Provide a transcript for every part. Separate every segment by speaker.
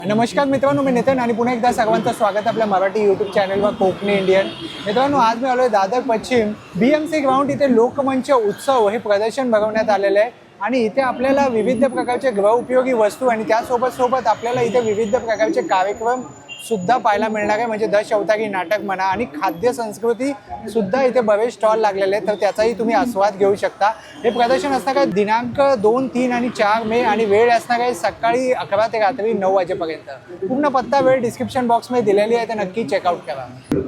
Speaker 1: नमस्कार मित्रांनो, मी नितीन आणि पुन्हा एकदा सर्वांचं स्वागत आपल्या मराठी यूट्यूब चॅनलवर कोकणी इंडियन. मित्रांनो, आज मी आलो आहे दादर पश्चिम BMC ग्राउंड. इथे लोकमंच उत्सव हे प्रदर्शन भरवण्यात आलेलं आहे आणि इथे आपल्याला विविध प्रकारचे गृहउपयोगी वस्तू आणि त्यासोबत आपल्याला इथे विविध प्रकारचे कार्यक्रम सुद्धा पाहायला मिळणार आहे. म्हणजे दशावतारी नाटक म्हणा आणि खाद्य संस्कृती सुद्धा इथे बरेच स्टॉल लागलेले आहेत, तर त्याचाही तुम्ही आस्वाद घेऊ शकता. हे प्रदर्शन असणार आहे दिनांक 2, 3 आणि 4 मे आणि वेळ असणार आहे सकाळी 11 ते रात्री 9 वाजेपर्यंत. पूर्ण पत्ता वेळ डिस्क्रिप्शन बॉक्समध्ये दिलेली आहे, तर नक्की चेकआउट करा.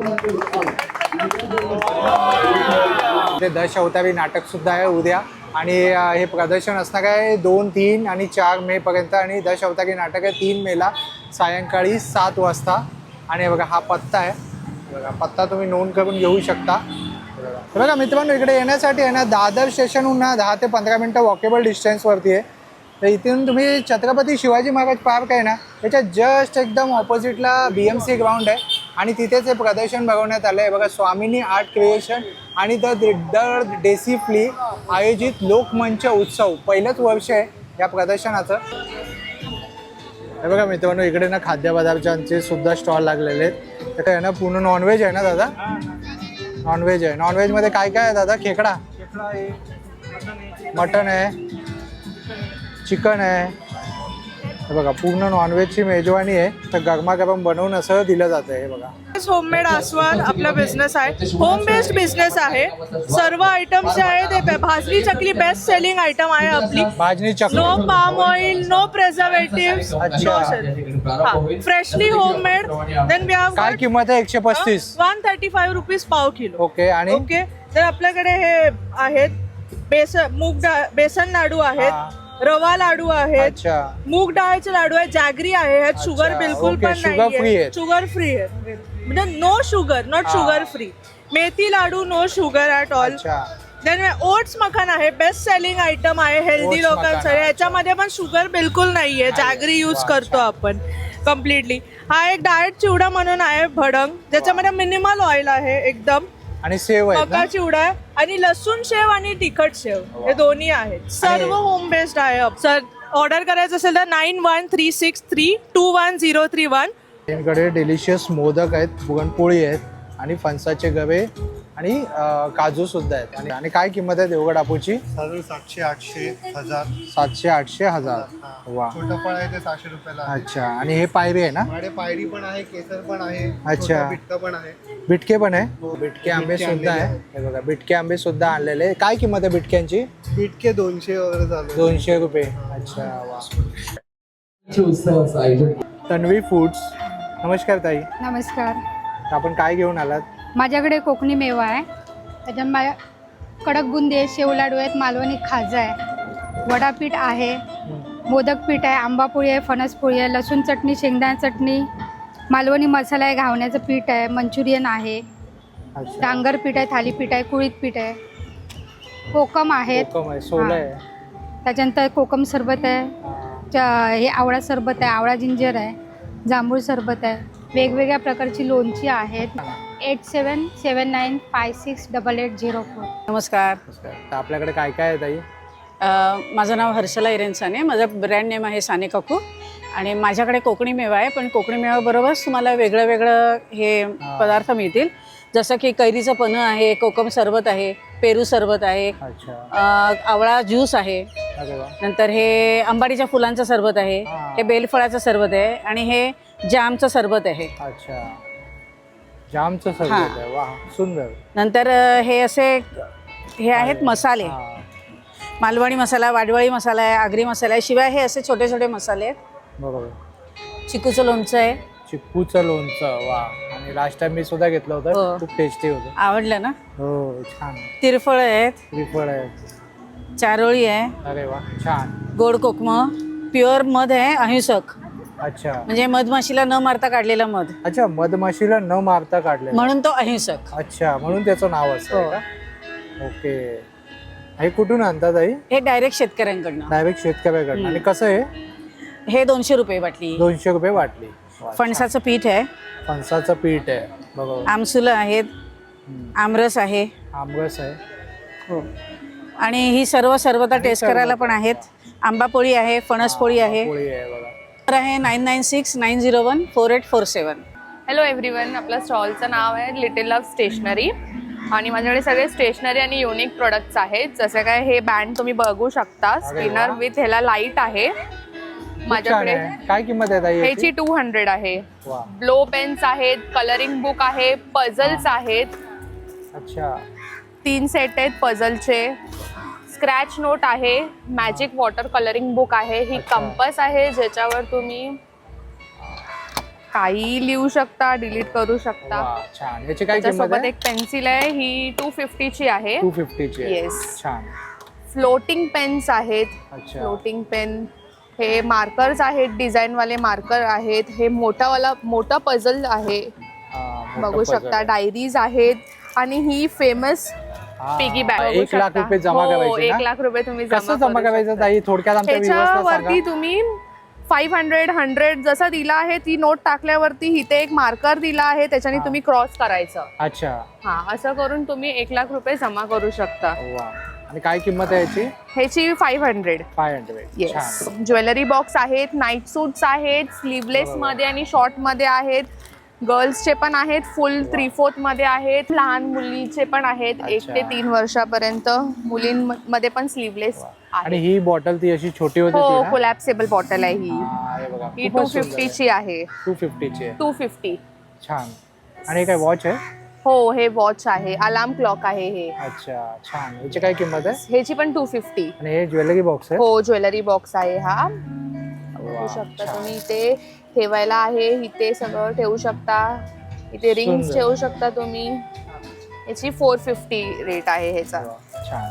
Speaker 1: ते दशावतारी नाटक सुद्धा आहे उद्या आणि हे प्रदर्शन असणार आहे 2, 3 आणि 4 मे पर्यंत आणि दशावतारी नाटक आहे 3 मेला सायंकाळी 7 वाजता. आणि बघा हा पत्ता आहे, बघा पत्ता तुम्ही नोंद करून घेऊ शकता. बघा मित्रांनो, इकडे येण्यासाठी आहे ना दादर स्टेशनहून 10 ते 15 मिनटं वॉकेबल डिस्टन्सवरती आहे. तर इथून तुम्ही छत्रपती शिवाजी महाराज पार्क आहे ना त्याच्या जस्ट एकदम ऑपोजिटला BMC ग्राउंड आहे आणि तिथेच हे प्रदर्शन भरवण्यात आलं आहे. बघा स्वामिनी आर्ट क्रिएशन आणि द डेसी फ्ली आयोजित लोकमंच उत्सव पहिलंच वर्ष आहे या प्रदर्शनाचं. हे बघा मित्रांनो, इकडे ना खाद्यपदार्थांचे सुद्धा स्टॉल लागलेले आहेत. तर आहे ना पूर्ण नॉनव्हेज आहे ना दादा? नॉनव्हेज आहे. नॉनव्हेजमध्ये काय काय आहे दादा? खेकडा आहे, मटन आहे, चिकन आहे. हे बघा पूर्ण नॉनव्हेजची मेजवानी आहे. तर गरमागरम बनवून असं दिलं जातं. हे बघा
Speaker 2: होममेड आस्वाद आपला बिझनेस आहे, होम बेस्ड बिझनेस आहे. सर्व आयटम्स आहे ते भाजणी चकली बेस्ट सेलिंग आयटम आहे आपली.
Speaker 1: भाजणी चकली,
Speaker 2: no palm oil, no preservatives, freshly homemade. Then we have
Speaker 1: काय किंमत आहे? 135
Speaker 2: 135 रुपीज पाव किलो.
Speaker 1: ओके. आणि
Speaker 2: ओके, तर आपल्याकडे हे आहेत बेसन लाडू आहेत, रवा लाडू आहेत,
Speaker 1: अच्छा,
Speaker 2: मूग डाळीचे लाडू आहेत, जॅगरी आहे. ह्यात शुगर बिलकुल
Speaker 1: ओके,
Speaker 2: पण
Speaker 1: शुगर फ्री
Speaker 2: नाही,
Speaker 1: आहे.
Speaker 2: शुगर फ्री आहे, म्हणजे no sugar, not sugar free. मेथी laddoo no sugar at all. Then oats मखान आहे, बेस्ट सेलिंग आयटम आहे हेल्दी
Speaker 1: Oats
Speaker 2: लोकांसाठी. याच्यामध्ये पण शुगर बिलकुल नाहीये, जॅगरी यूज करतो आपण कम्प्लिटली. हा एक डाएट चिवडा म्हणून आहे भडंग, ज्याच्यामध्ये मिनिमल ऑइल आहे एकदम.
Speaker 1: आणि सेव आहे
Speaker 2: मका चिवडा आहे आणि लसूण शेव आणि तिखट शेव हे दोन्ही आहेत. सर्व होम बेस्ड आहे. सर ऑर्डर करायचं असेल तर 9136321031.
Speaker 1: त्यांकडे डिलिशियस मोदक आहेत, पुरणपोळी आहेत आणि फणसाचे गवे आणि काजू सुद्धा आहेत. आणि काय किंमत आहे देवगड आपूची?
Speaker 3: 700, 800, 1000.
Speaker 1: 700, 800, 1000. वा,
Speaker 3: छोटं फळ आहे ते 600 रुपयाला आहे.
Speaker 1: अच्छा. आणि हे पायरी आहे ना?
Speaker 3: माझ्याकडे पायरी पण आहे, केसर पण आहे,
Speaker 1: अच्छा.
Speaker 3: छोटं बिटकं पण आहे.
Speaker 1: बिटके पण आहे. बिटके आंबे सुद्धा आहे. हे बघा बिटके आंबे सुद्धा आणलेले. काय किंमत आहे बिटक्यांची?
Speaker 3: बिटके 200 वगैरे झाले.
Speaker 1: 200 रुपये. अच्छा. वा. तन्वी फूड्स. नमस्कार ताई.
Speaker 4: नमस्कार.
Speaker 1: आपण काय घेऊन आलात?
Speaker 4: माझ्याकडे कोकणी मेवा आहे, त्याच्यात माझ्या कडक बुंदी आहे, शेव लाडू आहेत, मालवणी खाजा आहे, वडापीठ आहे, मोदक पीठ आहे, आंबापोळी आहे, फणसपोळी आहे, लसूण चटणी, शेंगदाणा चटणी, मालवणी मसाला आहे, घावण्याचं पीठ आहे, मंचुरियन आहे,
Speaker 1: अच्छा.
Speaker 4: डांगर पीठ आहे, थालीपीठ आहे, कुळीत पीठ आहे, कोकम आहेत,
Speaker 1: कोकम आहे, सोलं आहे.
Speaker 4: त्याच्यानंतर कोकम सरबत आहे, हे आवळा सरबत आहे, आवळा जिंजर आहे, जांभूळ सरबत आहे, वेगवेगळ्या प्रकारची लोणची आहेत. 8779568804.
Speaker 5: नमस्कार.
Speaker 1: तर आपल्याकडे काय काय आहे ताई?
Speaker 5: माझं नाव हर्षला इरेन साने. माझं ब्रँड नेम आहे साने काकू आणि माझ्याकडे कोकणी मेवा आहे. पण कोकणी मेवाबरोबरच तुम्हाला वेगळं वेगळं हे पदार्थ मिळतील. जसं की कैरीचं पन्हं आहे, कोकम सरबत आहे, पेरू सरबत आहे,
Speaker 1: अच्छा.
Speaker 5: आवळा ज्यूस आहे,
Speaker 1: अरे वा.
Speaker 5: नंतर हे अंबाडीच्या फुलांचं सरबत आहे, हे बेलफळाचं सरबत आहे आणि हे जामचं सरबत आहे.
Speaker 1: अच्छा, जामचं सरबत आहे. वा, सुंदर.
Speaker 5: नंतर हे आहेत मसाले. मालवणी मसाला, वाडवळी मसाला आहे, आगरी मसाला आहे, शिवाय हे असे छोटे छोटे मसाले आहेत.
Speaker 1: बरोबर.
Speaker 5: चिकूचं लोणचं आहे.
Speaker 1: चिक्कूचं लोणचं. वा. आणि लास्ट टाइम मी सुद्धा घेतलं होतं,
Speaker 5: हो.
Speaker 1: खूप टेस्टी होतं.
Speaker 5: आवडलं ना?
Speaker 1: हो, छान.
Speaker 5: तिरफळ आहेत,
Speaker 1: श्रीफळ आहे.
Speaker 5: चारोळी आहे,
Speaker 1: अरे वा, छान.
Speaker 5: गोड कोकम, प्युअर मध आहे, अहिंसक,
Speaker 1: अच्छा.
Speaker 5: म्हणजे मधमाशीला न मारता काढलेला मध,
Speaker 1: अच्छा, मधमाशीला न मारता काढले
Speaker 5: म्हणून तो अहिंसक.
Speaker 1: अच्छा, म्हणून त्याचं नाव असं आहे का? ओके. हे कुठून आणतात आई?
Speaker 5: हे डायरेक्ट शेतकऱ्यांकडनं.
Speaker 1: डायरेक्ट शेतकऱ्याकडनं. आणि कसं आहे?
Speaker 5: हे 200 रुपये बाटली.
Speaker 1: 200 रुपये वाटली. वा,
Speaker 5: फणसाचं पीठ आहे,
Speaker 1: फणसाचं पीठ आहे. बरोबर.
Speaker 5: आमसुलं आहेत, आमरस आहे,
Speaker 1: आमरस आहे.
Speaker 5: हो. आणि ही सर्व सर्वता टेस्ट करायला पण आहेत. आंबापोळी आहे, फणसपोळी आहे.
Speaker 1: पोळी आहे बघा.
Speaker 5: नंबर आहे 9969014847.
Speaker 6: हॅलो एव्हरीवन, आपल्या स्टॉलचं नाव आहे लिटिल लव्ह स्टेशनरी आणि माझ्याकडे सगळे स्टेशनरी आणि युनिक प्रोडक्ट्स आहेत. जसे काय हे बँड तुम्ही बघू शकता, स्पिनर विथ ह्याला लाईट आहे माझ्याकडे.
Speaker 1: काय किंमत आहे ताई
Speaker 6: ह्याची 200 आहे. ब्लो पेन्स आहेत, कलरिंग बुक आहे, पझल्स आहेत.
Speaker 1: अच्छा,
Speaker 6: 3 सेट आहेत पझलचे. स्क्रॅच नोट आहे, मॅजिक वॉटर कलरिंग बुक आहे, ही कंपस आहे ज्याच्यावर तुम्ही काही लिहू शकता, डिलीट करू शकता.
Speaker 1: छान. याची काय किंमत
Speaker 6: त्याच्यासोबत
Speaker 1: आहे?
Speaker 6: एक पेन्सिल आहे, ही 250 ची आहे.
Speaker 1: 250 ची आहे.
Speaker 6: येस.
Speaker 1: छान.
Speaker 6: फ्लोटिंग पेन्स आहेत.
Speaker 1: अच्छा.
Speaker 6: Floating pen. हे मार्कर्स आहेत, डिझाईन वाले मार्कर आहेत. हे मोठा पझल आहे, बघू शकता. डायरीज आहेत आणि ही फेमस पिगी बँक.
Speaker 1: 1 लाख रुपये जमा करायचे.
Speaker 6: 1 लाख रुपये तुम्ही
Speaker 1: कसं जमा करायचं ताई? थोडक्यात आमच्या
Speaker 6: त्याच्यावरती तुम्ही 500, 100 जसा दिला आहे ती नोट टाकल्यावरती इथे एक मार्कर दिला आहे, त्याच्याने तुम्ही क्रॉस करायचं.
Speaker 1: अच्छा.
Speaker 6: हा, असं करून तुम्ही 1 लाख रुपये जमा करू शकता.
Speaker 1: वा. आणि काय किंमत आहे याची?
Speaker 6: ह्याची 500.
Speaker 1: 500.
Speaker 6: येस. ज्वेलरी बॉक्स आहेत, नाईट सूट्स आहेत, स्लीवलेस मध्ये आणि शॉर्ट मध्ये आहेत. गर्ल्सचे पण आहेत, फुल 3/4 मध्ये आहेत. लहान मुलीचे पण आहेत, 1 ते 3 वर्षापर्यंत. मुलींमध्ये पण स्लीवलेस.
Speaker 1: आणि ही बॉटल ती अशी छोटी होती
Speaker 6: हो,
Speaker 1: ती ना?
Speaker 6: कोलॅप्सेबल बॉटल आहे ही.
Speaker 1: हे बघा,
Speaker 6: ही
Speaker 1: खूपच
Speaker 6: 250
Speaker 1: सुंदर
Speaker 6: ची आहे.
Speaker 1: 250 ची आहे.
Speaker 6: 250.
Speaker 1: छान. आणि हे काय वॉच आहे?
Speaker 6: हो, हे वॉच आहे, अलार्म क्लॉक आहे हे.
Speaker 1: अच्छा, छान. याची काय किंमत आहे?
Speaker 6: ह्याची पण 250.
Speaker 1: आणि हे ज्वेलरी बॉक्स आहे?
Speaker 6: हो, ज्वेलरी बॉक्स आहे हा. बघू शकता तुम्ही, इथे ठेवायला आहे, इथे सगळं ठेवू शकता. इथे रिंग्स
Speaker 1: सुंदर.
Speaker 6: ठेवू शकता तुम्ही. याची 450 रेट आहे ह्याचा.
Speaker 1: छान.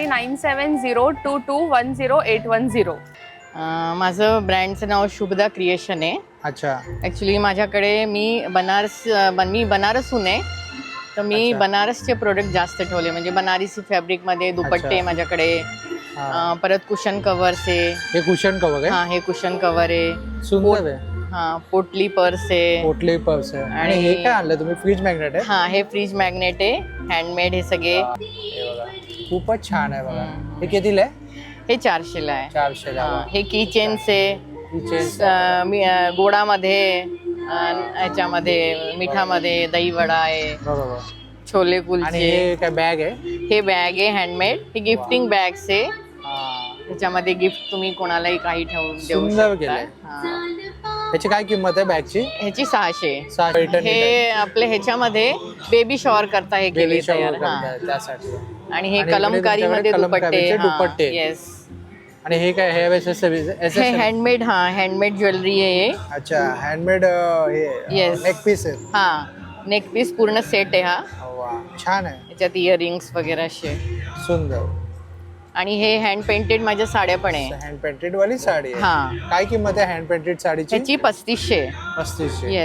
Speaker 6: 9702210810.
Speaker 7: माझं ब्रँडचं नाव शुभदा क्रिएशन आहे.
Speaker 1: अच्छा.
Speaker 7: ॲक्च्युली माझ्याकडे मी बनारसहून आहे, तर मी
Speaker 1: अच्छा.
Speaker 7: बनारसचे प्रोडक्ट जास्त ठेवले. म्हणजे बनारसी फॅब्रिकमध्ये दुपट्टे
Speaker 1: अच्छा.
Speaker 7: माझ्याकडे. परत कुशन कव्हर्स आहे.
Speaker 1: हे कुशन कवर आहे?
Speaker 7: हां, हे कुशन कव्हर आहे.
Speaker 1: सुंदर आहे.
Speaker 7: हां, पोटली पर्स आहे.
Speaker 1: पोटली पर्स आहे. आणि हे काय आणलं तुम्ही? फ्रीज मॅग्नेट आहे?
Speaker 7: हां, हे फ्रीज मॅग्नेट आहे, हँडमेड हे सगळे.
Speaker 1: हे बघा, खूपच छान आहे बघा. हे कितीला आहे?
Speaker 7: हे 400ला आहे.
Speaker 1: 400 ला.
Speaker 7: हां, हे की चेन्स आहे. गोडामध्ये, ह्याच्यामध्ये मिठामध्ये दहीवडा आहे,
Speaker 1: बरोबर.
Speaker 7: छोले
Speaker 1: आणि
Speaker 7: कुलचे.
Speaker 1: हे काय बॅग आहे?
Speaker 7: हे बॅग आहे हँडमेड. हे गिफ्टिंग बॅग्स आहे.
Speaker 1: हा.
Speaker 7: ह्याच्यामध्ये गिफ्ट तुम्ही कोणालाही काही ठेवून देऊ
Speaker 1: सुंदर
Speaker 7: शकता.
Speaker 1: केलंय.
Speaker 7: हां.
Speaker 1: त्याची काय किंमत आहे बॅगची?
Speaker 7: ह्याची 600.
Speaker 1: 600.
Speaker 7: हे आपले ह्याच्यामध्ये बेबी शॉवर करता हे केले
Speaker 1: बेबी
Speaker 7: तयार.
Speaker 1: शॉवर
Speaker 7: हां.
Speaker 1: त्यासाठी.
Speaker 7: आणि हे
Speaker 1: आणि
Speaker 7: कलमकारीमध्ये
Speaker 1: कलमकारीचे
Speaker 7: दुपट्टे.
Speaker 1: दुपट्टे.
Speaker 7: येस.
Speaker 1: आणि हे काय? हे
Speaker 7: हे हँडमेड. हां, हँडमेड ज्वेलरी आहे.
Speaker 1: अच्छा, हँडमेड. हे
Speaker 7: Yes.
Speaker 1: नेक पीस आहे.
Speaker 7: हां, नेक पीस पूर्ण सेट आहे हा.
Speaker 1: वा, छान आहे.
Speaker 7: याच्यात इयरिंग्स वगैरे असे.
Speaker 1: सुंदर.
Speaker 7: आणि हे हँड पेंटेड माझ्या साड्या पण आहे.
Speaker 1: हँड पेंटेड वाली साडी आहे.
Speaker 7: हां.
Speaker 1: काय किंमत आहे हँड पेंटेड साडीची?
Speaker 7: ह्याची 3500.
Speaker 1: 3500.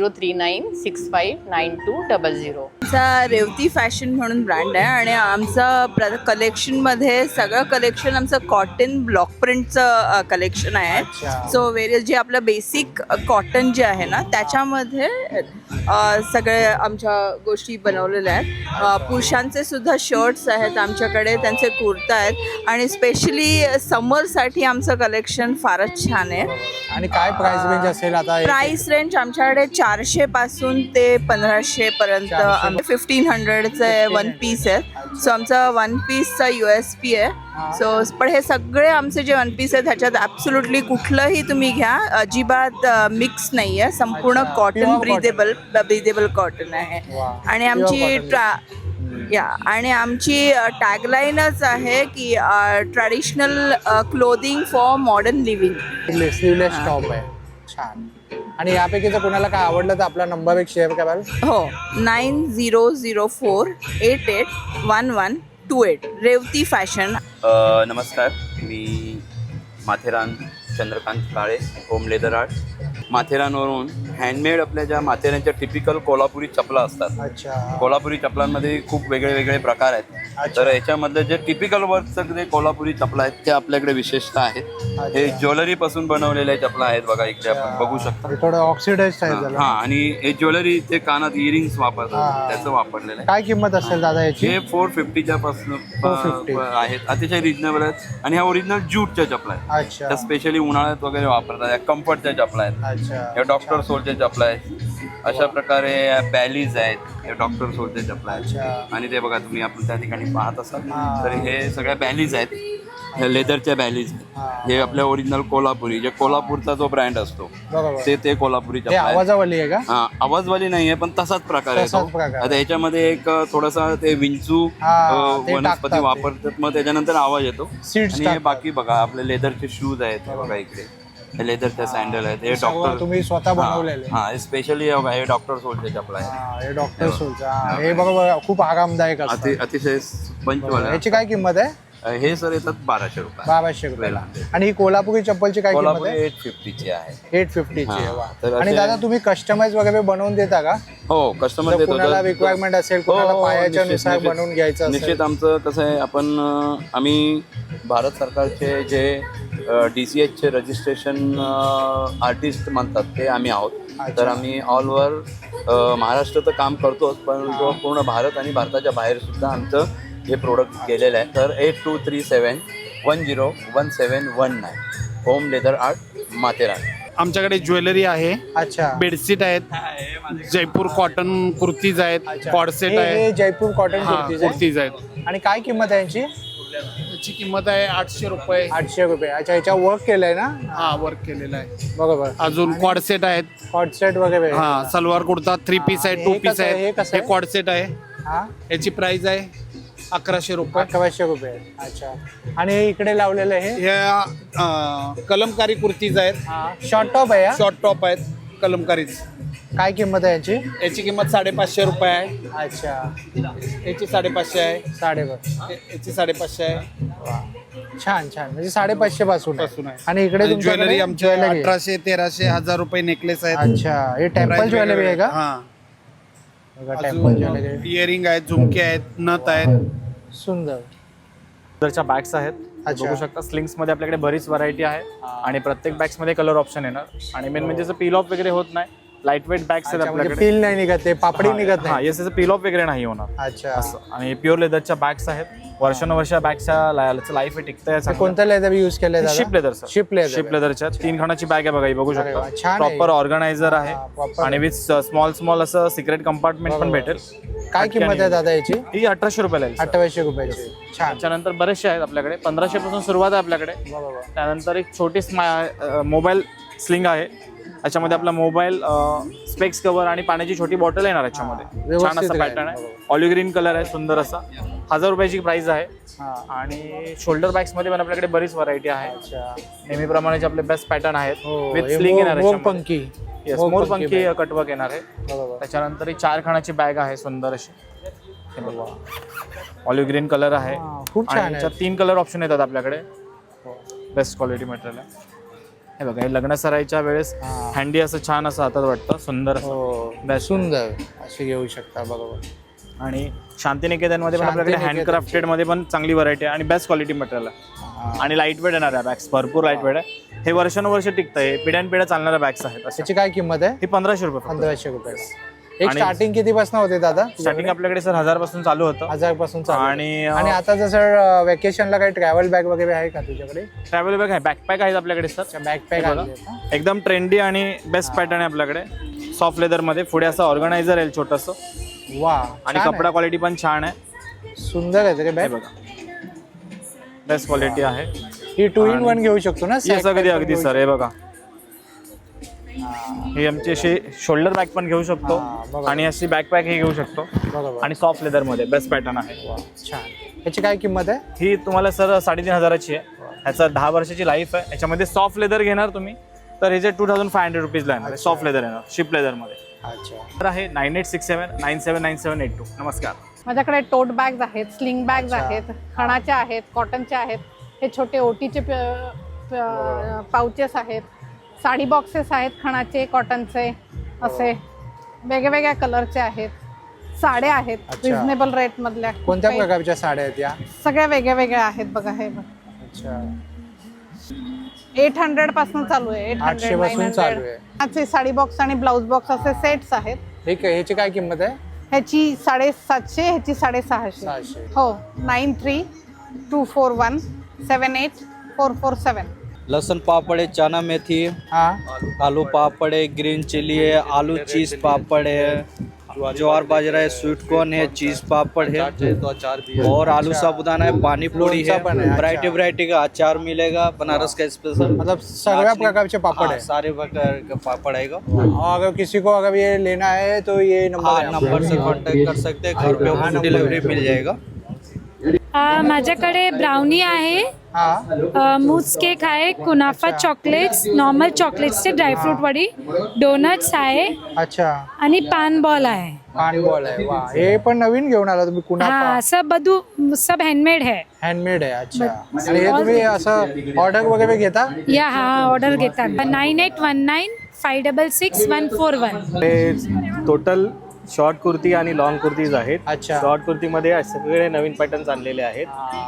Speaker 7: 9039659200.
Speaker 8: आमचा रेवती फॅशन म्हणून ब्रँड आहे आणि आमचं कलेक्शनमध्ये सगळं कलेक्शन आमचं कॉटन ब्लॉक प्रिंटचं कलेक्शन आहे.
Speaker 1: अच्छा.
Speaker 8: सो वेरियस जे आपलं बेसिक कॉटन जे आहे ना त्याच्यामध्ये सगळे आमच्या गोष्टी बनवलेल्या आहेत. पुरुषांचे सुद्धा शर्ट्स आहेत आमच्याकडे, त्यांचे कुर्ता आहेत आणि स्पेशली समरसाठी आमचं कलेक्शन फारच छान आहे.
Speaker 1: आणि काय प्राइस रेंज असेल आता?
Speaker 8: प्राइस रेंज आमच्याकडे 400 पासून ते 1500 पर्यंत. 1500चे वन पीस आहेत. सो आमचा वन पीसचा USP आहे. सो पण हे सगळे आमचे जे वन पीस आहेत ह्याच्यात ॲब्सोल्युटली कुठलंही तुम्ही घ्या, अजिबात मिक्स नाही आहे. संपूर्ण
Speaker 1: अच्छा,
Speaker 8: कॉटन
Speaker 1: pure
Speaker 8: ब्रीदेबल कॉटन आहे.
Speaker 1: वा,
Speaker 8: आणि
Speaker 1: pure
Speaker 8: आमची
Speaker 1: cotton.
Speaker 8: आणि आमची टॅगलाईनच आहे की traditional clothing for modern living.
Speaker 1: Sleeveless top आहे. छान. आणि यापैकी जर कोणाला काय आवडलं तर आपला नंबर एक शेअर कराल?
Speaker 8: हो, 9004881128. रेवती फॅशन.
Speaker 9: नमस्कार, मी Matheran Chandrakant Kale, home leather art. माथेरानवरून हँडमेड आपल्या ज्या माथेरानच्या टिपिकल कोल्हापुरी चपला असतात.
Speaker 1: अच्छा.
Speaker 9: कोल्हापुरी चपलांमध्ये खूप वेगळे वेगळे प्रकार आहेत. तर याच्यामधलं जे टिपिकल वर्कचं जे कोल्हापुरी चपला आहेत ते आपल्याकडे विशेषतः आहेत. हे ज्वेलरी पासून बनवलेल्या चपला आहेत बघा, इकडे आपण बघू शकता.
Speaker 1: थोडं ऑक्सिडाइज आहे त्याला.
Speaker 9: हा, आणि हे ज्वेलरी ते कानात इयरिंग्स वापरतात त्याचं वापरलेलं आहे.
Speaker 1: काय किंमत असेल दादा याची?
Speaker 9: हे 450च्या पासून
Speaker 1: 450
Speaker 9: आहेत, अतिशय रिजनेबल आहेत. आणि ह्या ओरिजिनल ज्यूटच्या चपला आहेत.
Speaker 1: अच्छा.
Speaker 9: त्या स्पेशली उन्हाळ्यात वगैरे वापरतात. या कम्फर्टच्या चपला आहेत.
Speaker 1: अच्छा.
Speaker 9: या डॉक्टर सोलच्या चपला आहेत. अशा प्रकारे बॅलीज आहेत, हे डॉक्टर सोलच्या चपला आहेत. आणि ते बघा तुम्ही आपण त्या ठिकाणी पाहत असाल तर हे सगळ्या बॅलीज आहेत, लेदरच्या बॅलीज. हे आपल्या ओरिजिनल कोल्हापुरी, जे कोल्हापूरचा जो ब्रँड असतो ते कोल्हापुरी चपला आहे.
Speaker 1: आवाजावाली आहे का?
Speaker 9: हा, आवाजवाली नाहीये पण तसाच प्रकार आहे तो. आता याच्यामध्ये एक थोडासा ते विंचू वनस्पती वापरतात, मग त्याच्यानंतर आवाज येतो. आणि हे बाकी बघा आपले लेदरचे शूज आहेत, हे बघा इकडे हे लेदरचे सँडल आहेत. हे डॉक्टर
Speaker 1: तुम्ही स्वतः बनवलेले?
Speaker 9: हा, स्पेशली हे डॉक्टर सोलचे चपला आहे.
Speaker 1: हे डॉक्टर सोलचा. हे बघा खूप आरामदायक असतं.
Speaker 9: अतिशय पंचवाला.
Speaker 1: याची काय किंमत आहे?
Speaker 9: हे सर येतात 1200 रुपये.
Speaker 1: 1200 रुपयाला. आणि ही कोल्हापुरी चप्पलची काय किंमत आहे?
Speaker 9: 850ची आहे.
Speaker 1: 850 ची आहे. वा.
Speaker 9: तर
Speaker 1: आणि दादा तुम्ही कस्टमाइज वगैरे बनवून देता का?
Speaker 9: हो, कस्टमर देतो.
Speaker 1: कोणाला रिक्वायरमेंट असेल, कोणाला पायाच्या नुसार बनवून घ्यायचं असेल?
Speaker 9: निश्चित. आमचं कसं आहे, आम्ही भारत सरकारचे जे DCH रजिस्ट्रेशन आर्टिस्ट म्हणतात ते आम्ही आहोत. तर आम्ही ऑल ओव्हर महाराष्ट्र तर काम करतोच, पण पूर्ण भारत आणि भारताच्या बाहेर सुद्धा आमचं हे प्रोडक्ट गेलेलं आहे. तर 8237101719 होम लेदर आर्ट माथेरान.
Speaker 10: आमच्याकडे ज्वेलरी आहे.
Speaker 1: अच्छा.
Speaker 10: बेडशीट आहेत, जयपूर कॉटन कुर्तीज आहेत, कॉडसेट आहे,
Speaker 1: जयपूर कॉटन
Speaker 10: कुर्तीज आहेत.
Speaker 1: आणि काय किंमत आहे यांची?
Speaker 10: याची किंमत आहे 800 रुपये.
Speaker 1: 800 रुपये. अच्छा. याच्या वर्क केलंय ना?
Speaker 10: हा, वर्क केलेला आहे.
Speaker 1: बरोबर.
Speaker 10: अजून कॉडसेट आहेत,
Speaker 1: कॉडसेट वगैरे.
Speaker 10: हा, सलवार कुर्ता 3 पीस आहे, 2 पीस आहे.
Speaker 1: हे
Speaker 10: हे कॉडसेट आहे.
Speaker 1: हा,
Speaker 10: याची प्राइस आहे 1100 रुपये.
Speaker 1: 1100 रुपये. अच्छा. आणि हे इकडे लावलेलं हे
Speaker 10: ह्या कलमकारी कुर्तीज आहेत.
Speaker 1: शॉर्ट टॉप आहे?
Speaker 10: शॉर्ट टॉप आहेत कलमकारीज.
Speaker 1: काय किंमत आहे याची?
Speaker 10: याची किंमत 550 रुपये आहे.
Speaker 1: अच्छा.
Speaker 10: याची 550 आहे.
Speaker 1: 550.
Speaker 10: याची 550 आहे.
Speaker 1: छान छान. म्हणजे 550 पासून
Speaker 10: आहे.
Speaker 1: आणि इकडे
Speaker 10: ज्वेलरी आमची 1800, 1300, 1000 रुपये नेकलेस आहेत.
Speaker 1: अच्छा. हे टेम्पल ज्वेलरी आहे का?
Speaker 10: हा.
Speaker 1: Temple jewellery.
Speaker 10: इयरिंग आहेत, झुमके आहेत, नथ आहेत.
Speaker 1: सुंदर.
Speaker 11: लेदरच्या बॅग्स आहेत, बघू शकता. स्लिंग्स मध्ये आपल्याकडे बरीच व्हरायटी आहे आणि प्रत्येक बॅग्स मध्ये कलर ऑप्शन येणार. आणि मेन म्हणजे पील ऑफ वगैरे होत नाही. लाईट वेट बॅग्स आहेत आपल्याकडे.
Speaker 1: पील नाही निघत, ते पापडी निघत
Speaker 11: हा,
Speaker 1: नाही.
Speaker 11: याचं पील ऑफ वगैरे नाही होणार.
Speaker 1: अच्छा.
Speaker 11: असं. आणि प्युअर लेदरच्या बॅग्स आहेत. वर्षानुवर्ष बॅगच्या लाईफ टिकतं.
Speaker 1: कोणतं लेदर यूज केलंय?
Speaker 11: Sheep leather sir.
Speaker 1: Sheep leather.
Speaker 11: Sheep लेदरच्या 3 खानाची बॅग आहे बघा, ही बघू शकता.
Speaker 1: छान आहे.
Speaker 11: प्रॉपर ऑर्गनायझर आहे आणि विथ स्मॉल असं सिक्रेट कंपार्टमेंट पण भेटेल.
Speaker 1: काय किंमत आहे दादा याची?
Speaker 11: ही 1800 रुपयाला आहे.
Speaker 1: 1800 रुपयाची. छान.
Speaker 11: त्याच्यानंतर बरेचसे आहेत आपल्याकडे. 1500 पासून सुरुवात आहे आपल्याकडे. त्यानंतर एक छोटी मोबाईल स्लिंग आहे. याच्यामध्ये आपला मोबाईल, स्पेक्स कव्हर आणि पाण्याची छोटी बॉटल येणार याच्यामध्ये. छान असा पॅटर्न आहे. ऑलिव्ह ग्रीन कलर आहे, सुंदर असा. 1000 रुपयाची प्राइस आहे. आणि शोल्डर बॅग्स मध्ये पण आपल्याकडे बरीच व्हरायटी आहे. नेहमीप्रमाणे आपले बेस्ट पॅटर्न आहेत. विथ स्लिंग येणार आहे.
Speaker 1: मोरपंखी.
Speaker 11: मोरपंखी कटवर्क येणार आहे. त्याच्यानंतर ही 4 खानाची बॅग आहे, सुंदर अशी. ऑलिव्ह ग्रीन कलर आहे.
Speaker 1: खूप छान आहे.
Speaker 11: 3 कलर ऑप्शन येतात आपल्याकडे. बेस्ट क्वालिटी मटेरियल आहे. हे बघा, हे लग्न सराईच्या वेळेस हँडी असं छान असं हातात वाटतं, सुंदर.
Speaker 1: सुंदर अशी घेऊ शकता. बरोबर.
Speaker 11: आणि शांतिनिकेतनमध्ये पण आपल्याकडे हँडक्राफ्टेड मध्ये पण चांगली व्हरायटी आहे आणि बेस्ट क्वालिटी मटेरियल आहे. आणि लाईट वेट येणार आहे बॅग्स, भरपूर लाईट वेट आहे. हे वर्षानुवर्ष टिकतं. हे पिढ्यानपिढ्या चालणाऱ्या बॅग्स आहेत.
Speaker 1: त्याची काय किंमत आहे?
Speaker 11: ही 1500 रुपये.
Speaker 1: 1500 रुपये. एक स्टार्टिंग किती पासून होते दादा?
Speaker 11: स्टार्टिंग आपल्याकडे सर 1000 पासून चालू होतं.
Speaker 1: 1000 पासून चालू.
Speaker 11: आणि
Speaker 1: आता जसं वेकेशनला काही ट्रॅव्हल बॅग वगैरे आहे का तुझ्याकडे?
Speaker 11: ट्रॅव्हल बॅग आहे, बॅकपॅक आहेत आपल्याकडे सर.
Speaker 1: बॅकपॅक
Speaker 11: एकदम ट्रेंडी आणि बेस्ट पॅटर्न आहे आपल्याकडे. सॉफ्ट लेदर मध्ये पुढे असं ऑर्गनायझर आहे छोटंसं.
Speaker 1: वा.
Speaker 11: आणि कपडा क्वालिटी पण छान आहे.
Speaker 1: सुंदर आहे ते बॅग.
Speaker 11: बघा, बेस्ट क्वालिटी आहे.
Speaker 1: ही 2 in 1 घेऊ शकतो ना?
Speaker 11: अगदी सर. हे बघा, ही आमची अशी शोल्डर बॅग पण घेऊ शकतो आणि अशी बॅकपॅक ही घेऊ शकतो. आणि सॉफ्ट लेदर मध्ये बेस्ट पॅटर्न आहे.
Speaker 1: छान. याची काय किंमत आहे?
Speaker 11: ही तुम्हाला सर 3500ची आहे. ह्याचा 10 वर्षाची लाईफ आहे. याच्यामध्ये सॉफ्ट लेदर घेणार तुम्ही तर ह्याचे 2500 रुपीजला येणार. सॉफ्ट लेदर येणार, शिप लेदर मध्ये.
Speaker 1: अच्छा.
Speaker 11: तर आहे 9867979782. नमस्कार.
Speaker 12: माझ्याकडे टोट बॅग्स आहेत, स्लिंग बॅग्स आहेत, खणाच्या आहेत, कॉटनच्या आहेत. हे छोटे ओटीचे पाउचेस आहेत. साडी बॉक्सेस आहेत खणाचे, कॉटनचे, असे वेगवेगळ्या कलरचे आहेत. साड्या आहेत
Speaker 1: अच्छा.
Speaker 12: रिझनेबल रेट मधल्या.
Speaker 1: कोणत्या
Speaker 12: काही-
Speaker 1: प्रकारच्या साड्या आहेत या?
Speaker 12: सगळ्या वेगळ्या वेगळ्या आहेत बघा. हे बघ
Speaker 1: अच्छा,
Speaker 12: 800 पासून चालू आहे.
Speaker 1: 800 पासून चालू आहे.
Speaker 12: ह्याचे साडी बॉक्स आणि ब्लाउज बॉक्स असे सेट्स आहेत.
Speaker 1: ह्याची काय किंमत आहे?
Speaker 12: ह्याची 750, ह्याची 650.
Speaker 1: 600.
Speaker 12: हो. 9324178447.
Speaker 13: लहसुन पापड़ है, चना मेथी,
Speaker 1: हाँ,
Speaker 13: आलू पापड़ है, ग्रीन चिली है, आलू चीज पापड़ है, ज्वार बाजरा है, स्वीट कॉर्न है, चीज पापड़ है और आलू साबुदाना है, पानी पूरी
Speaker 1: लोणचं
Speaker 13: है,
Speaker 1: पण आहे, अच्छा.
Speaker 13: वैरायटी का अचार मिलेगा, बनारस का स्पेशल,
Speaker 1: मतलब सगळ्या प्रकारचे पापड़
Speaker 13: हाँ,
Speaker 1: है।
Speaker 13: सारे प्रकार का पापड़ आएगा।
Speaker 1: और अगर किसी को अगर ये लेना है तो ये
Speaker 13: हाँ,
Speaker 1: नंबर
Speaker 13: नंबर से कांटेक्ट कर सकते हैं, घर पे होम डिलीवरी मिल जाएगा।
Speaker 14: माझ्याकडे ब्राउनी आहे,
Speaker 1: हाँ,
Speaker 14: मूस केक आहे, कुनाफा चॉकलेट्स, नॉर्मल चॉकलेट्सचे ड्रायफ्रूट वडी, डोनट्स आहे
Speaker 1: अच्छा,
Speaker 14: आणि पान बॉल आहे.
Speaker 1: पान बॉल आहे. वा, हे पण नवीन घेऊन आला तुम्ही कुनाफा.
Speaker 14: हाँ, सब हैंडमेड है.
Speaker 1: हँडमेड आहे. अच्छा, आणि हे तुम्ही असं ऑर्डर वगैरे घेता?
Speaker 14: या हा ऑर्डर घेतात. 9819566141.
Speaker 11: हे टोटल शॉर्ट कुर्ती आणि लॉंग कुर्तीज आहेत.
Speaker 1: अच्छा.
Speaker 11: शॉर्ट कुर्तीमध्ये सगळे नवीन पॅटर्न्स आणलेले आहेत.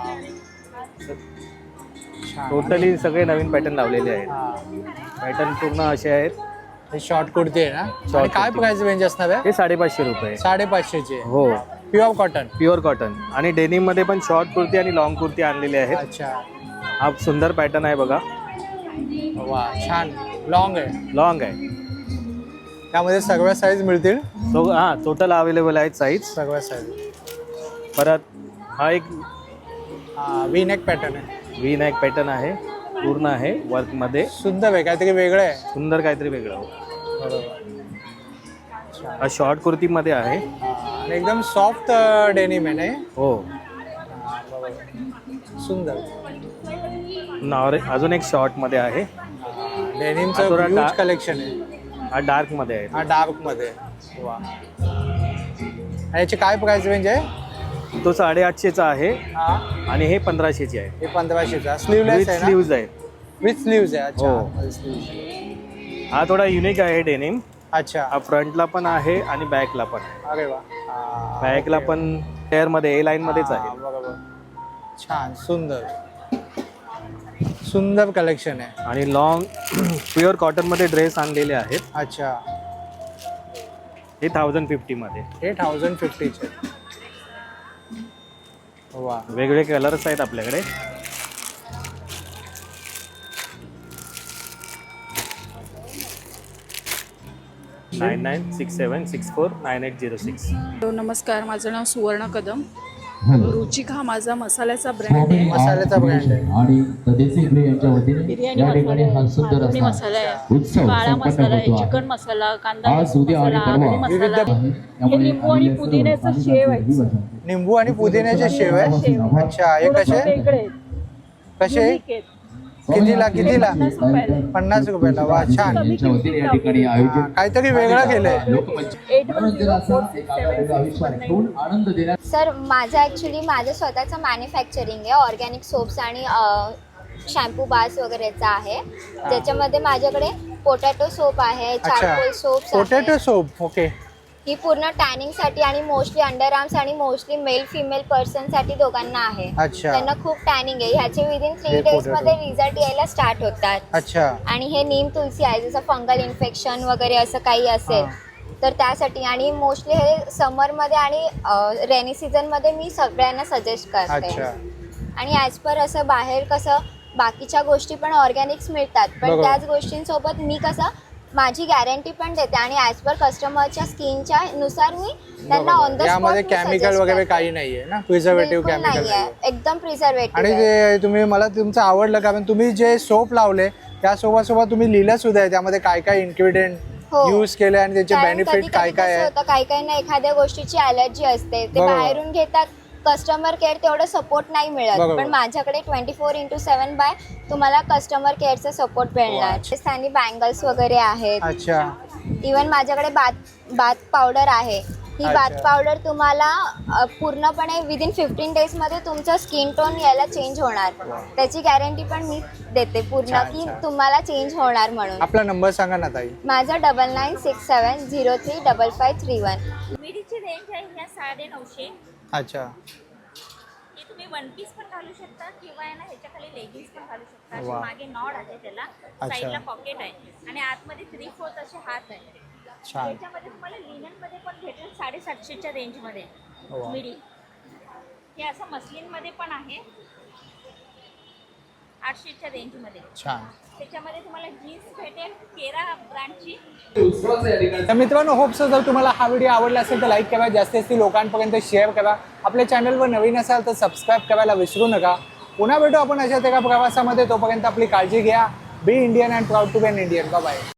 Speaker 11: टोटली सगळे नवीन पॅटर्न लावलेले आहेत. पॅटर्न पूर्ण असे आहेत.
Speaker 1: हे शॉर्ट कुर्ती आहे ना? आणि काय
Speaker 11: कुर्ती.
Speaker 1: प्राइस रेंज असणार आहे?
Speaker 11: हे 550 रुपये.
Speaker 1: 550
Speaker 11: हो,
Speaker 1: प्युअर कॉटन.
Speaker 11: Pure cotton. आणि डेनिम मध्ये पण शॉर्ट कुर्ती आणि लॉंग कुर्ती आणलेले आहेत.
Speaker 1: अच्छा,
Speaker 11: हा सुंदर पॅटर्न आहे बघा.
Speaker 1: वा, छान. लॉंग आहे.
Speaker 11: लॉंग आहे.
Speaker 1: त्यामध्ये सगळ्या साईज मिळतील?
Speaker 11: तो हां, टोटल अवेलेबल आहेत साईज.
Speaker 1: सगळ्या साईज.
Speaker 11: परत हा एक
Speaker 1: वी नेक पॅटर्न आहे.
Speaker 11: व्ही नेक पॅटर्न आहे, पूर्ण आहे वर्कमध्ये.
Speaker 1: सुंदर आहे, काहीतरी वेगळं आहे.
Speaker 11: सुंदर काहीतरी वेगळं.
Speaker 1: बरोबर.
Speaker 11: हा शॉर्ट कुर्तीमध्ये आहे.
Speaker 1: आणि एकदम सॉफ्ट डेनिम आहे ना?
Speaker 11: हो.
Speaker 1: सुंदर.
Speaker 11: अजून एक शॉर्टमध्ये आहे.
Speaker 1: डेनिमचं
Speaker 11: थोडा
Speaker 1: ह्यूज
Speaker 11: dark-
Speaker 1: कलेक्शन आहे.
Speaker 11: हा डार्कमध्ये आहे.
Speaker 1: हा डार्क मध्ये. वा, आणि याची काय प्राइस रेंज आहे?
Speaker 11: तो 850चा आहे
Speaker 1: हा,
Speaker 11: आणि हे 1500ची आहे.
Speaker 1: हे 1500चा. स्लीवलेस
Speaker 11: विथ
Speaker 1: आहे ना?
Speaker 11: स्लीव्ज आहे.
Speaker 1: विथ स्लीव्ज आहे. अच्छा,
Speaker 11: हो. हा थोडा युनिक आहे डेनिम.
Speaker 1: अच्छा,
Speaker 11: हा फ्रंटला पण आहे आणि बॅकला पण आहे.
Speaker 1: अरे वा.
Speaker 11: बॅकला पण टेअरमध्ये ए लाईनमध्येच आहे.
Speaker 1: बरोबर. छान, सुंदर सुंदर कलेक्शन आहे.
Speaker 11: आणि लॉंग प्युअर कॉटनमध्ये ड्रेस आणलेले आहेत.
Speaker 1: अच्छा,
Speaker 11: हे 1050 मध्ये.
Speaker 1: हे 1050चे. वा,
Speaker 11: वेगवेगळे कलर्स आहेत आपल्याकडे. नाईन 9967649806.
Speaker 5: नमस्कार, माझं नाव सुवर्ण कदम. रुचिक हा माझा मसाल्याचा ब्रँड आहे.
Speaker 1: मसाल्याचा ब्रँड आहे.
Speaker 15: आणि देसी गृह यांच्या वतीने
Speaker 5: बिर्याणी
Speaker 15: या ठिकाणी हा सुंदर
Speaker 5: मालवणी
Speaker 15: असा
Speaker 5: मसाला आहे,
Speaker 15: उत्सव
Speaker 5: काळा
Speaker 15: संपन्न
Speaker 5: मसाला आहे,
Speaker 15: होतो आहे.
Speaker 5: चिकन मसाला, कांदा
Speaker 15: आज उद्या आणि
Speaker 5: मसाला,
Speaker 15: परवा
Speaker 5: आगरी मसाला
Speaker 1: विविध-
Speaker 5: आहे. हे
Speaker 15: त्यामुळे
Speaker 5: लिंबू आणि
Speaker 15: आलेल्या सर्व
Speaker 5: पुदिन्याचं
Speaker 15: पालेभाज्या
Speaker 5: शेव आहे.
Speaker 15: दिवस आहे.
Speaker 1: निंबू आणि पुदिन्याचे शेव आहे. अच्छा, हे
Speaker 5: थोडंसं
Speaker 1: कसे
Speaker 5: वेगळे आहेत.
Speaker 1: कसे?
Speaker 5: Unique आहेत.
Speaker 1: कितीला?
Speaker 5: 50 रुपयाला.
Speaker 1: 50 रुपयाला. वा, छान.
Speaker 15: यांच्या वतीने या ठिकाणी आयोजित
Speaker 1: काहीतरी वेगळं केलंय.
Speaker 15: लोकमंच मनोरंजनाचा एक आगळा आविष्कार घेऊन आनंद देण्यात.
Speaker 16: सर, माझं स्वतःचं मॅन्युफॅक्चरिंग आहे. ऑर्गॅनिक सोप्स आणि शॅम्पू बार्स वगैरेचा आहे. ज्याच्यामध्ये माझ्याकडे पोटॅटो सोप आहे, चारकोल सोप्स
Speaker 1: पोटॅटो
Speaker 16: आहे.
Speaker 1: सोप. ओके.
Speaker 16: ही पूर्ण टॅनिंगसाठी आणि मोस्टली अंडर आर्म्स आणि मोस्टली मेल फिमेल पर्सनसाठी दोघांना आहे.
Speaker 1: अच्छा.
Speaker 16: त्यांना खूप टॅनिंग आहे. ह्याचे विदिन 3
Speaker 1: हे
Speaker 16: डेज
Speaker 1: potato.
Speaker 16: मध्ये रिझल्ट यायला स्टार्ट होतात.
Speaker 1: अच्छा,
Speaker 16: आणि हे नीम तुलसी आहे, जसं फंगल इन्फेक्शन वगैरे असं काही असेल तर त्यासाठी. आणि मोस्टली हे समरमध्ये आणि रेनी सीझनमध्ये मी सगळ्यांना सजेस्ट करते.
Speaker 1: अच्छा.
Speaker 16: आणि ॲज पर असं बाहेर कसं बाकीच्या गोष्टी पण ऑर्गॅनिक्स मिळतात, पण
Speaker 1: बरोबर.
Speaker 16: त्याच गोष्टींसोबत मी कसं माझी गॅरंटी पण देते आणि ॲज पर कस्टमरच्या स्किनच्या नुसार मी त्यांना ऑन द स्पॉट
Speaker 1: यामध्ये केमिकल वगैरे काही नाहीये ना? प्रिझर्वेटिव्ह केमिकल
Speaker 16: नाही आहे, एकदम प्रिझर्वेटिव्ह.
Speaker 1: आणि ते तुम्ही मला तुमचं आवडलं कारण तुम्ही जे सोप लावले त्या सोबत तुम्ही लिहिलं सुद्धा आहे त्यामध्ये काय काय इन्ग्रेडियंट
Speaker 16: हो.
Speaker 1: यूज केले आणि त्याचे
Speaker 16: कारण
Speaker 1: बेनिफिट
Speaker 16: कधी-कधी
Speaker 1: काय काय
Speaker 16: कसं
Speaker 1: आहे.
Speaker 16: होतं, काही ना एखाद्या गोष्टीची अलर्जी असते, ते
Speaker 1: बरोबर.
Speaker 16: बाहेरून घेतात. कस्टमर केअर तेवढं सपोर्ट नाही मिळत,
Speaker 1: बरोबर.
Speaker 16: पण माझ्याकडे 24/7 बाय तुम्हाला कस्टमर केअरचा सपोर्ट मिळणार. राजस्थानी बँगल्स वगैरे आहेत.
Speaker 1: अच्छा,
Speaker 16: इवन माझ्याकडे बाथ पावडर आहे, ही बाथ पावडर तुम्हाला पूर्णपणे विदिन 15 डेजमध्ये तुमचं स्किन टोन याला चेंज होणार. त्याची गॅरंटी पण मी देते पूर्ण की तुम्हाला चेंज होणार म्हणून.
Speaker 1: आपला नंबर सांगा ना ताई.
Speaker 16: माझा 9967035531.
Speaker 17: मिडीची रेंज आहे ह्या 950.
Speaker 1: अच्छा.
Speaker 17: ही तुम्ही वन पीस पण घालू शकता किंवा आहे ना ह्याच्या खाली लेगिन्स पण घालू शकता. अशी
Speaker 1: वा.
Speaker 17: मागे नॉड आहे त्याला, साईडला पॉकेट आहे आणि आतमध्ये 3/4 असे हात आहे.
Speaker 1: छान.
Speaker 17: ह्याच्यामध्ये तुम्हाला लिनन मध्ये पण भेटेल 750च्या रेंज मध्ये
Speaker 1: वा.
Speaker 17: मिडी. हे असं मस्लिन मध्ये पण आहे 800च्या रेंज मध्ये.
Speaker 1: छान.
Speaker 17: त्याच्यामध्ये तुम्हाला जीन्स भेटेल केरा ब्रँडची.
Speaker 1: तर मित्रांनो, होप सो जर तुम्हाला हा व्हिडिओ आवडला असेल तर लाईक करा, जास्तीत जास्त लोकांपर्यंत शेअर करा. आपल्या चॅनलवर नवीन असाल तर सबस्क्राईब करायला विसरू नका. पुन्हा भेटू आपण अशाच एका प्रवासामध्ये. तोपर्यंत आपली काळजी घ्या. Be Indian and proud to be an Indian. Bye.